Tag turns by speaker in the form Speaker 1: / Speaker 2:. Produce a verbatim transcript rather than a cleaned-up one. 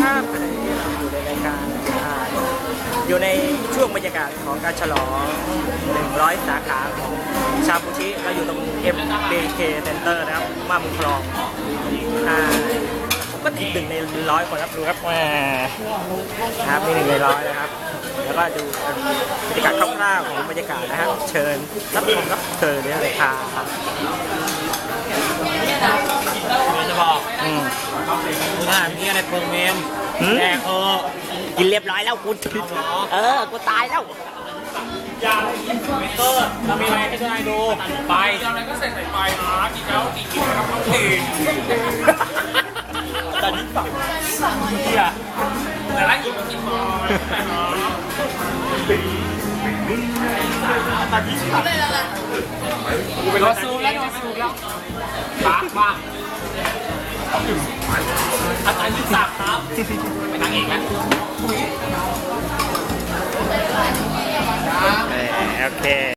Speaker 1: ครับขณะนี้เราอยู่ในรายการอ่าอยู่ในช่วงบรรยากาศของการฉลองหนึ่งร้อยสาขาของชาบูชิเราอยู่ตรง เอ็ม บี เค Center นะครับมาบุญคลองอ่าผมก็ติดหนึ่งในร้อยคนครับดูครับแหมครับนี่หนึ่งในร้อยนะครับแล้วก็ดูบรรยากาศคร่าวๆของบรรยากาศนะครับเชิญรับชมรับเชิญเลยครับ
Speaker 2: จะบอก
Speaker 1: อืม
Speaker 2: กูถามนี่อะไรเปิงเมม
Speaker 1: หืม
Speaker 2: แดกเออ
Speaker 1: กินเรียบร้อยแล้วกูเออกูตายแล้ว
Speaker 2: ยาเมเตอร์เรามีอะไรให้ทุกนายดูไป
Speaker 3: อะไรก็ใส่ใส่ไปนะกินแล้วกินกินแล้วทั้งเพลง
Speaker 2: ตอนนี้ฝั่งเฮีย
Speaker 3: แต่ละอีกกินมาแต่นะ
Speaker 2: ตอนนี้ฝั่ง
Speaker 3: กูเป็นรถซูมแล้วรถซูมแล้ว
Speaker 2: ปากว่าอาจารย์ยิ่งศักดิ์ครับเป็นนางเอกนะ
Speaker 1: โอเค